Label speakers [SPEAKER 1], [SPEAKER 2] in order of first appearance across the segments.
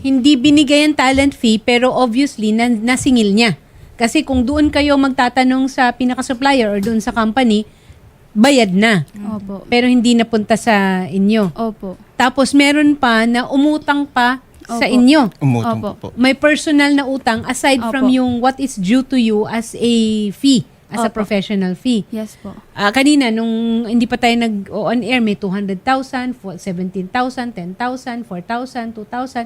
[SPEAKER 1] hindi binigay ang talent fee pero obviously nasingil niya. Kasi kung doon kayo magtatanong sa pinaka-supplier or doon sa company, bayad na.
[SPEAKER 2] Opo.
[SPEAKER 1] Pero hindi napunta sa inyo.
[SPEAKER 2] Opo.
[SPEAKER 1] Tapos meron pa na umutang pa sa
[SPEAKER 2] Opo.
[SPEAKER 1] inyo.
[SPEAKER 3] Umutang
[SPEAKER 2] Opo.
[SPEAKER 3] po.
[SPEAKER 1] May personal na utang aside from
[SPEAKER 2] Opo.
[SPEAKER 1] yung what is due to you as a fee, as a
[SPEAKER 2] Opo.
[SPEAKER 1] professional fee.
[SPEAKER 2] Yes po.
[SPEAKER 1] Kanina, nung hindi pa tayo nag-on air, may 200,000, 17,000, 10,000, 4,000, 2,000.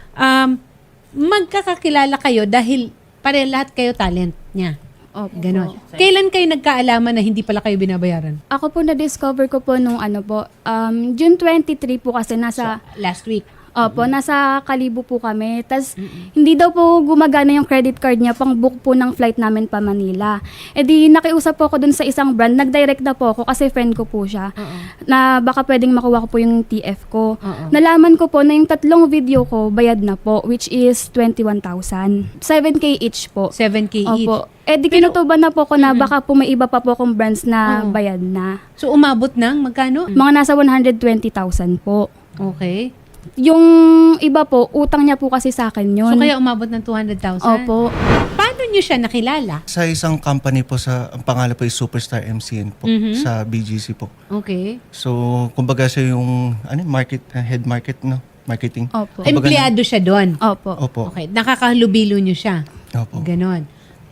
[SPEAKER 1] Magkakakilala kayo dahil pare lahat kayo talent niya.
[SPEAKER 2] Opo.
[SPEAKER 1] Ganon. Kailan kayo nagkaalaman na hindi pala kayo binabayaran?
[SPEAKER 2] Ako po na-discover ko po nung ano po, June 23 po kasi nasa,
[SPEAKER 1] Last week.
[SPEAKER 2] opo, nasa Kalibo po kami. Tapos, hindi daw po gumagana yung credit card niya pang book po ng flight namin pa Manila. E di, nakiusap po ako dun sa isang brand. Nag-direct na po ako kasi friend ko po siya. Na baka pwedeng makuha ko po yung TF ko. Nalaman ko po na yung 3 video ko, bayad na po, which is 21,000. 7K each po.
[SPEAKER 1] 7K each.
[SPEAKER 2] Opo. Eh di kinutuban na po ko na baka po may iba pa po akong brands na
[SPEAKER 1] Oo.
[SPEAKER 2] bayad na.
[SPEAKER 1] So, umabot ng magkano?
[SPEAKER 2] Mga nasa 120,000 po.
[SPEAKER 1] Okay.
[SPEAKER 2] Yung iba po, utang niya po kasi sa akin yun.
[SPEAKER 1] So, kaya umabot ng 200,000?
[SPEAKER 2] Opo.
[SPEAKER 1] Paano nyo siya nakilala?
[SPEAKER 3] Sa isang company po, ang pangalan po is Superstar MCN po, sa BGC po.
[SPEAKER 1] Okay.
[SPEAKER 3] So, kumbaga siya yung head marketing.
[SPEAKER 2] Opo.
[SPEAKER 3] Kumbaga
[SPEAKER 1] Empleyado siya doon?
[SPEAKER 2] Opo.
[SPEAKER 3] Opo.
[SPEAKER 1] Okay. Nakakalubilo nyo siya?
[SPEAKER 3] Opo.
[SPEAKER 1] Ganon.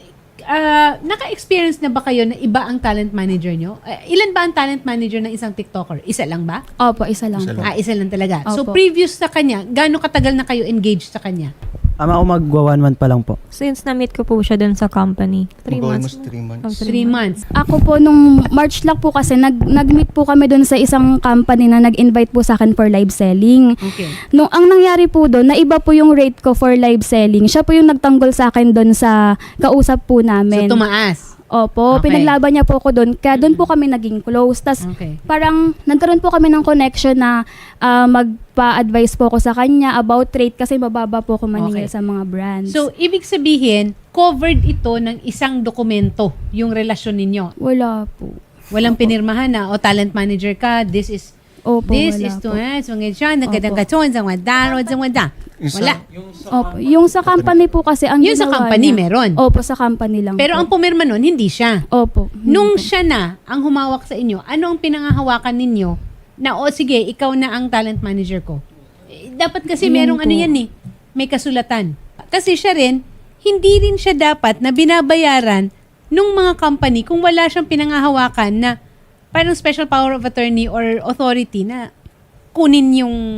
[SPEAKER 1] Naka-experience na ba kayo na iba ang talent manager nyo? Ilan ba ang talent manager ng isang TikToker? Isa lang ba?
[SPEAKER 2] Opo, isa lang
[SPEAKER 3] Isa
[SPEAKER 2] po.
[SPEAKER 3] lang.
[SPEAKER 1] Isa lang talaga. So,
[SPEAKER 2] Opo.
[SPEAKER 1] previous sa kanya, gaano katagal na kayo engaged sa kanya?
[SPEAKER 4] Ako magwa 1 month pa lang po.
[SPEAKER 5] Since na-meet ko po siya dun sa company. 3 months.
[SPEAKER 3] Almost 3 months.
[SPEAKER 1] 3 months.
[SPEAKER 2] Ako po, nung March lang po kasi, nag-meet po kami doon sa isang company na nag-invite po sa akin for live selling.
[SPEAKER 1] Okay.
[SPEAKER 2] Nung ang nangyari po doon, naiba po yung rate ko for live selling. Siya po yung nagtanggol sa akin doon sa kausap po namin.
[SPEAKER 1] So, tumaas.
[SPEAKER 2] Opo,
[SPEAKER 1] Okay.
[SPEAKER 2] pinaglaban niya po ako doon. Kaya doon po kami naging close. Tas
[SPEAKER 1] Okay.
[SPEAKER 2] parang nagkaroon po kami ng connection na magpa-advise po ako sa kanya about rate kasi mababa po ako maningil
[SPEAKER 1] Okay.
[SPEAKER 2] sa mga brands.
[SPEAKER 1] So, ibig sabihin, covered ito ng isang dokumento, yung relasyon ninyo.
[SPEAKER 2] wala po.
[SPEAKER 1] Walang pinirmahan na, o talent manager ka, this is
[SPEAKER 2] Opo,
[SPEAKER 1] this
[SPEAKER 2] wala
[SPEAKER 1] is to
[SPEAKER 2] po.
[SPEAKER 1] nagkadang-gaton, sa wala. Wala.
[SPEAKER 2] Opo. Yung sa company po kasi ang
[SPEAKER 1] Yun sa
[SPEAKER 2] ginawa
[SPEAKER 1] company,
[SPEAKER 2] niya-
[SPEAKER 1] meron.
[SPEAKER 2] Opo, sa company lang
[SPEAKER 1] Pero
[SPEAKER 2] po.
[SPEAKER 1] ang pumirma nun, hindi siya.
[SPEAKER 2] Opo.
[SPEAKER 1] Nung siya na ang humawak sa inyo, ano ang pinangahawakan ninyo na, o sige, ikaw na ang talent manager ko? Dapat kasi
[SPEAKER 2] Yun
[SPEAKER 1] merong
[SPEAKER 2] po.
[SPEAKER 1] ano yan eh, may kasulatan. Kasi siya rin, hindi rin siya dapat na binabayaran nung mga company kung wala siyang pinangahawakan na parang special power of attorney or authority na kunin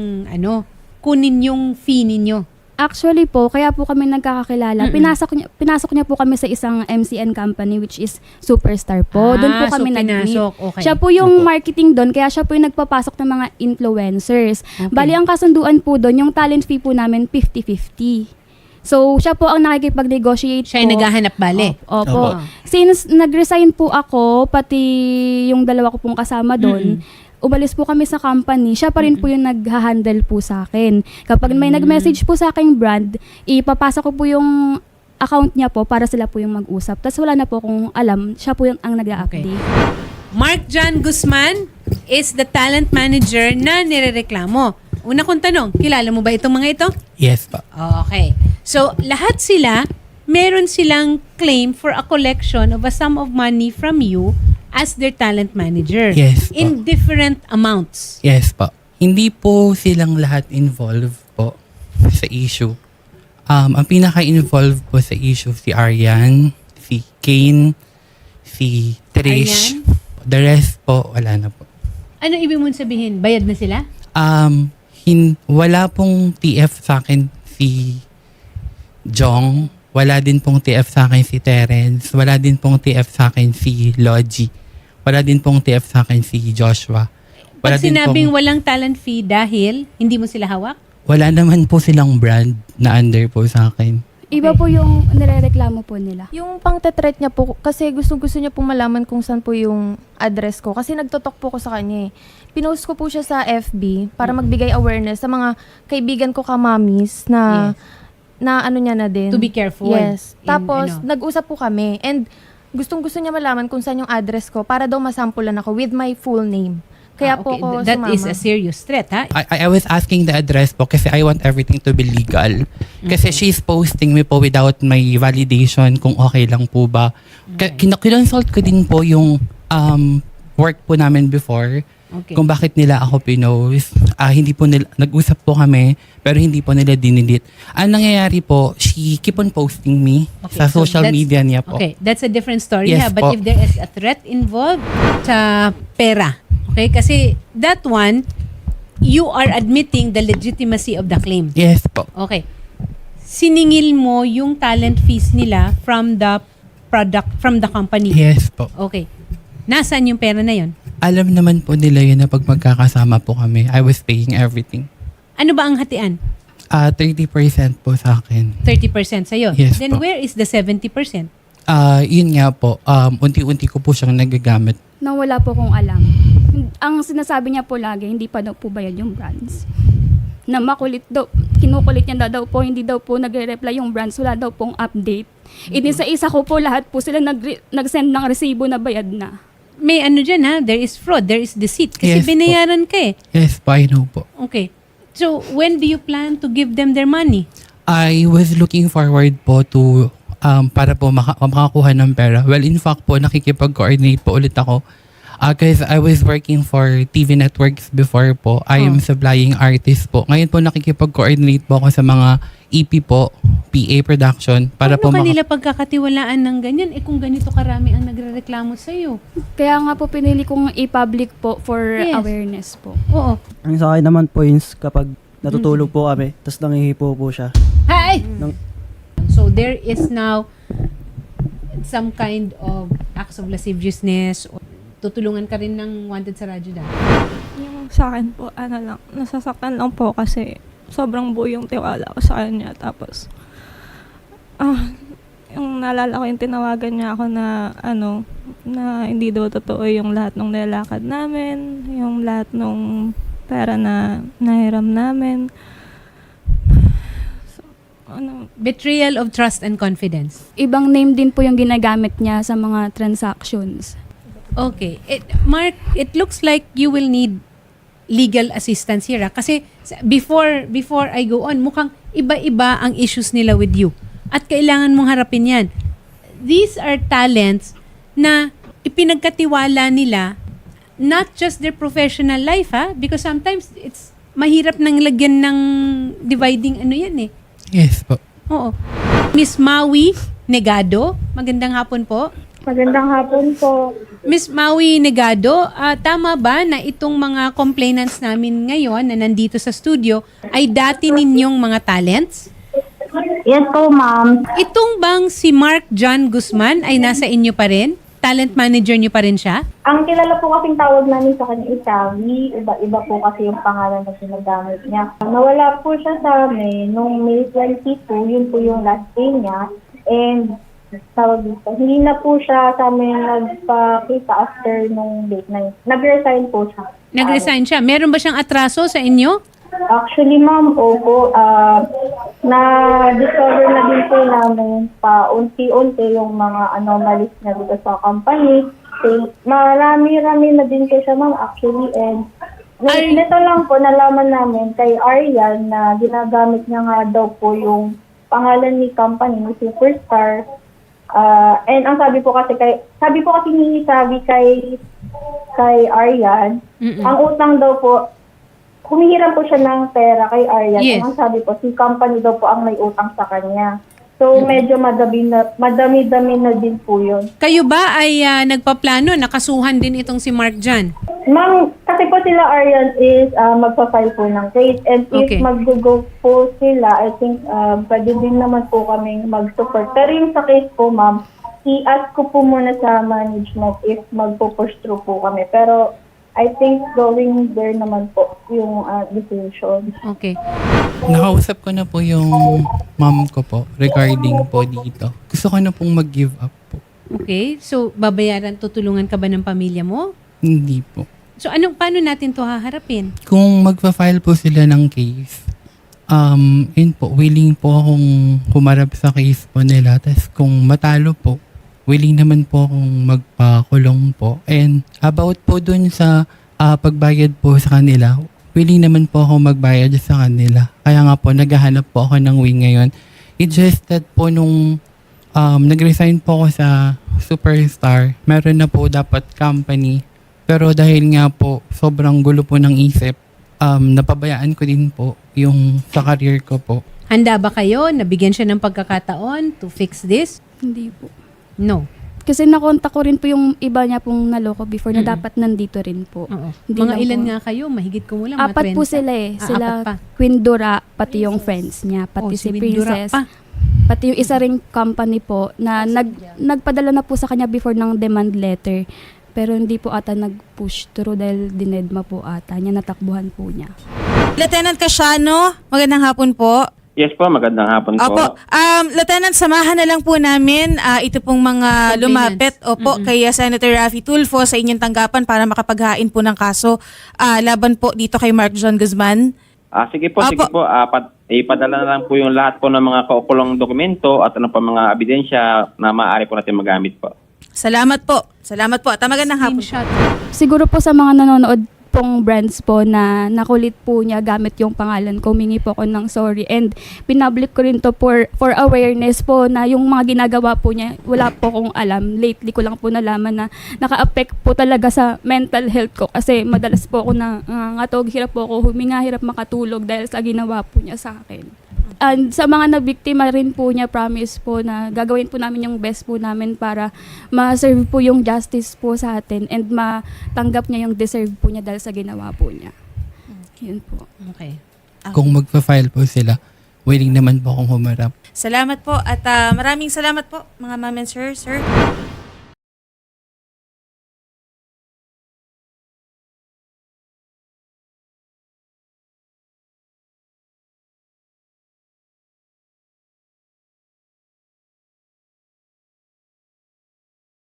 [SPEAKER 1] yung fee ninyo.
[SPEAKER 2] Actually po, kaya po kami nagkakakilala. Pinasok niya po kami sa isang MCN company which is Superstar po. Doon po kami
[SPEAKER 1] so
[SPEAKER 2] nag-meet.
[SPEAKER 1] pinasok. Okay.
[SPEAKER 2] Siya po yung marketing doon, kaya siya po yung nagpapasok ng mga influencers.
[SPEAKER 1] Okay.
[SPEAKER 2] Bali, ang kasunduan po doon, yung talent fee po namin 50-50. So, siya po ang nakikipag-negotiate
[SPEAKER 1] Siya yung naghahanap bale.
[SPEAKER 2] Opo.
[SPEAKER 1] Opo.
[SPEAKER 2] Since nag-resign po ako, pati yung dalawa ko pong kasama doon, umalis po kami sa company, siya pa rin po yung nag-handle po sa akin. Kapag may nag-message po sa aking brand, ipapasa ko po yung account niya po para sila po yung mag-usap. Tapos wala na po akong alam, siya po yung ang nag-update.
[SPEAKER 1] Mark John Guzman is the talent manager na nirereklamo. Una kong tanong, kilala mo ba itong mga ito?
[SPEAKER 6] Yes pa.
[SPEAKER 1] Okay. So, lahat sila, meron silang claim for a collection of a sum of money from you as their talent manager.
[SPEAKER 6] Yes po.
[SPEAKER 1] In different amounts.
[SPEAKER 6] Yes pa. Hindi po silang lahat involved po sa issue. Ang pinaka-involved po sa issue si Arian, si Kane, si Trish.
[SPEAKER 1] Arian?
[SPEAKER 6] The rest po, wala na po.
[SPEAKER 1] Ano ibig mong sabihin? Bayad na sila?
[SPEAKER 6] Wala pong TF sa akin si Jong. Wala din pong TF sa akin si Terence. Wala din pong TF sa akin si Logie. Wala din pong TF sa akin si Joshua.
[SPEAKER 1] Pag
[SPEAKER 6] din
[SPEAKER 1] sinabing
[SPEAKER 6] pong-
[SPEAKER 1] walang talent fee dahil hindi mo sila hawak?
[SPEAKER 6] wala naman po silang brand na under po sa akin.
[SPEAKER 2] Iba po yung nirereklamo po nila.
[SPEAKER 5] Yung pang-threat niya po, kasi gusto niya pong malaman kung saan po yung address ko. Kasi nagtotok po ko sa kanya eh. Pinost ko po siya sa FB para magbigay awareness sa mga kaibigan ko kamamis na na ano niya na din.
[SPEAKER 1] To be careful.
[SPEAKER 5] Yes.
[SPEAKER 1] In,
[SPEAKER 5] Tapos,
[SPEAKER 1] ano.
[SPEAKER 5] nag-usap po kami. And gustong-gusto niya malaman kung saan yung address ko para daw masampulan ako with my full name. Kaya
[SPEAKER 1] Ah,
[SPEAKER 5] po
[SPEAKER 1] okay.
[SPEAKER 5] ako
[SPEAKER 1] That
[SPEAKER 5] sumama.
[SPEAKER 1] is a serious threat, ha?
[SPEAKER 6] I was asking the address po kasi I want everything to be legal. Kasi she's posting me po without my validation kung okay lang po ba. Kinonsult ko din po yung work po namin before.
[SPEAKER 1] Okay.
[SPEAKER 6] Kung bakit nila ako pinost. Hindi po nila, nag-usap po kami, pero hindi po nila dinilit. Ang nangyayari po, she keep on posting me
[SPEAKER 1] Okay,
[SPEAKER 6] sa
[SPEAKER 1] so
[SPEAKER 6] social
[SPEAKER 1] that's-
[SPEAKER 6] media niya po.
[SPEAKER 1] Okay, that's a different story.
[SPEAKER 6] Yes
[SPEAKER 1] ha? But
[SPEAKER 6] po.
[SPEAKER 1] if there is a threat involved sa pera, okay? Kasi that one, you are admitting the legitimacy of the claim.
[SPEAKER 6] Yes po.
[SPEAKER 1] Okay. Siningil mo yung talent fees nila from the product, from the company.
[SPEAKER 6] Yes po.
[SPEAKER 1] Okay. Nasaan yung pera na yon?
[SPEAKER 6] Alam naman po nila yun na pag magkakasama po kami, I was paying everything.
[SPEAKER 1] Ano ba ang hatian?
[SPEAKER 6] 30% po sa akin.
[SPEAKER 1] 30% sa'yo.
[SPEAKER 6] Yes
[SPEAKER 1] Then
[SPEAKER 6] po.
[SPEAKER 1] where is the 70%?
[SPEAKER 6] Yun nga po, unti-unti ko po siyang nagagamit.
[SPEAKER 2] Na wala po kong alam. Ang sinasabi niya po lagi, hindi pa daw po bayad yung brands. Na makulit daw, kinukulit niya daw po, hindi daw po nagre-reply yung brands, wala daw pong update. Inisa-isa ko po lahat po sila nag-send ng resibo na bayad na.
[SPEAKER 1] May ano dyan ha, there is fraud, there is deceit. Kasi
[SPEAKER 6] Yes po.
[SPEAKER 1] binayaran ka eh.
[SPEAKER 6] Yes po, I know po.
[SPEAKER 1] Okay. So, when do you plan to give them their money?
[SPEAKER 6] I was looking forward po to para po makakuha ng pera. Well, in fact po, nakikipag-coordinate po ulit ako. Because I was working for TV networks before po. I am supplying artist po. Ngayon po nakikipag-coordinate po ako sa mga EP po, PA production. Para
[SPEAKER 1] Paano
[SPEAKER 6] po
[SPEAKER 1] kanila pagkakatiwalaan ng ganyan? Eh kung ganito karami ang nagre-reklamo sa'yo.
[SPEAKER 2] Kaya nga po pinili kong i-public po for
[SPEAKER 1] Yes.
[SPEAKER 2] awareness po.
[SPEAKER 1] Oo.
[SPEAKER 4] Ang sa akin naman po is kapag natutulog po kami, tapos nangihipo po siya.
[SPEAKER 1] Hi!
[SPEAKER 4] Nang-
[SPEAKER 1] So, there is now some kind of acts of lasciviousness or tutulungan ka rin ng wanted sa radyo dahil.
[SPEAKER 7] Yung sa akin po, nasasaktan lang po kasi sobrang buo yung tiwala ko sa kanya. Tapos, yung naalala ko yung tinawagan niya ako na, na hindi daw totoo yung lahat ng nilalakad namin, yung lahat ng pera na nahiram namin. So,
[SPEAKER 1] Betrayal of trust and confidence.
[SPEAKER 2] Ibang name din po yung ginagamit niya sa mga transactions.
[SPEAKER 1] Okay. Mark, it looks like you will need legal assistance here. Kasi before I go on, mukhang iba-iba ang issues nila with you. At kailangan mong harapin yan. These are talents na ipinagkatiwala nila not just their professional life, ha? Because sometimes it's mahirap nang lagyan ng dividing ano yan eh.
[SPEAKER 6] Yes po.
[SPEAKER 1] Oo. Miss Maui Negado, magandang hapon po.
[SPEAKER 8] Magandang hapon po.
[SPEAKER 1] Miss Maui Negado, tama ba na itong mga complainants namin ngayon na nandito sa studio ay dati ninyong mga talents?
[SPEAKER 8] Yes po, ma'am.
[SPEAKER 1] Itong bang si Mark John Guzman ay nasa inyo pa rin? Talent manager niyo pa rin siya?
[SPEAKER 8] Ang kilala po kasing tawag namin sa kanya is Savi. Iba-iba po kasi yung pangalan na ginagamit niya. Nawala po siya sa amin noong May 22, yun po yung last day niya. And tawag dito, hindi na po siya sa amin nagpakita after nung date na yun. Nag-resign po siya.
[SPEAKER 1] Nag-resign siya. Meron ba siyang atraso sa inyo?
[SPEAKER 8] Actually, ma'am, opo, na-discover na din po namin paunti-unti yung mga anomalies na dito sa company. So, marami-rami na din po siya, ma'am, actually. And nito lang po, nalaman namin kay Aryan na ginagamit niya nga daw po yung pangalan ni company, ni Superstar. And ang sabi po kasi ni Sabi kay Aryan, ang utang daw po, humihiram po siya ng pera kay Aryan.
[SPEAKER 1] Yes.
[SPEAKER 8] Ang sabi po, si company daw po ang may utang sa kanya. So, medyo madami-dami na din po yun.
[SPEAKER 1] Kayo ba ay nagpaplano, nakasuhan din itong si Mark John?
[SPEAKER 8] Ma'am, kasi po sila Aryan is magpa-file po ng case. And
[SPEAKER 1] Okay.
[SPEAKER 8] if mag-go po sila, I think pwede din naman po kaming mag-support. Pero yung sa case po, ma'am, i-ask ko po muna sa management if magpo-push through po kami. Pero I think going there naman po yung decision.
[SPEAKER 1] Okay.
[SPEAKER 6] Nakausap ko na po yung mom ko po regarding po dito. Gusto ko na pong mag-give up po.
[SPEAKER 1] Okay. So, tutulungan ka ba ng pamilya mo?
[SPEAKER 6] Hindi po.
[SPEAKER 1] So, paano natin to haharapin?
[SPEAKER 6] Kung magpa-file po sila ng case, yun po, willing po akong humarap sa case po nila. Tapos kung matalo po, willing naman po akong magpakulong po. And about po dun sa pagbayad po sa kanila, willing naman po ako magbayad sa kanila. Kaya nga po, naghahanap po ako ng way ngayon. It's just that po nung nag-resign po ako sa Superstar, meron na po dapat company. Pero dahil nga po, sobrang gulo po ng isip, napabayaan ko din po yung sa career ko po.
[SPEAKER 1] Handa ba kayo? Nabigyan siya ng pagkakataon to fix this?
[SPEAKER 2] Hindi po.
[SPEAKER 1] No.
[SPEAKER 2] Kasi nakontak ko rin po yung iba niya pong naloko before na dapat nandito rin po.
[SPEAKER 1] Oo.
[SPEAKER 2] Hindi
[SPEAKER 1] Mga
[SPEAKER 2] lang
[SPEAKER 1] ilan
[SPEAKER 2] po.
[SPEAKER 1] nga kayo? Mahigit ko lang. mga 30.
[SPEAKER 2] Apat po sila eh.
[SPEAKER 1] Ah,
[SPEAKER 2] Sila
[SPEAKER 1] apat pa.
[SPEAKER 2] Queen Dora, pati yung friends niya, pati
[SPEAKER 1] Oh,
[SPEAKER 2] si
[SPEAKER 1] Windura
[SPEAKER 2] Princess.
[SPEAKER 1] pa.
[SPEAKER 2] Pati yung isa ring company po na nagpadala na po sa kanya before ng demand letter. Pero hindi po ata nag-push through dahil dinedma po ata niya, natakbuhan po niya.
[SPEAKER 9] Lieutenant Casiano, magandang hapon po.
[SPEAKER 10] Yes po, magandang hapon po.
[SPEAKER 9] Opo. Lieutenant, samahan na lang po namin ito pong mga
[SPEAKER 1] Complainants.
[SPEAKER 9] lumapit kay Senator Raffy Tulfo sa inyong tanggapan para makapaghain po ng kaso laban po dito kay Mark John Guzman.
[SPEAKER 10] Sige po, sige po. Ipadala na lang po yung lahat po ng mga kaukulong dokumento at ano pa mga ebidensya na maaari po natin magamit po.
[SPEAKER 9] Salamat po. Salamat po. At magandang hapon.
[SPEAKER 1] Screenshot.
[SPEAKER 2] Siguro po sa mga nanonood pong brands po na nakulit po niya gamit yung pangalan ko, humingi po ako ng sorry and pinablik ko rin to for awareness po na yung mga ginagawa po niya, wala po akong alam. Lately ko lang po nalaman na naka-affect po talaga sa mental health ko kasi madalas po ako nangangatog, hirap po ako huminga, hirap makatulog dahil sa ginawa po niya sa akin. And sa mga nabiktima rin po niya, promise po na gagawin po namin yung best po namin para ma-serve po yung justice po sa atin and matanggap niya yung deserve po niya dahil sa ginawa po niya. Yun po.
[SPEAKER 1] Okay.
[SPEAKER 6] Kung magpa-file po sila, willing naman po akong humarap.
[SPEAKER 9] Salamat po at maraming salamat po mga ma'am and sir.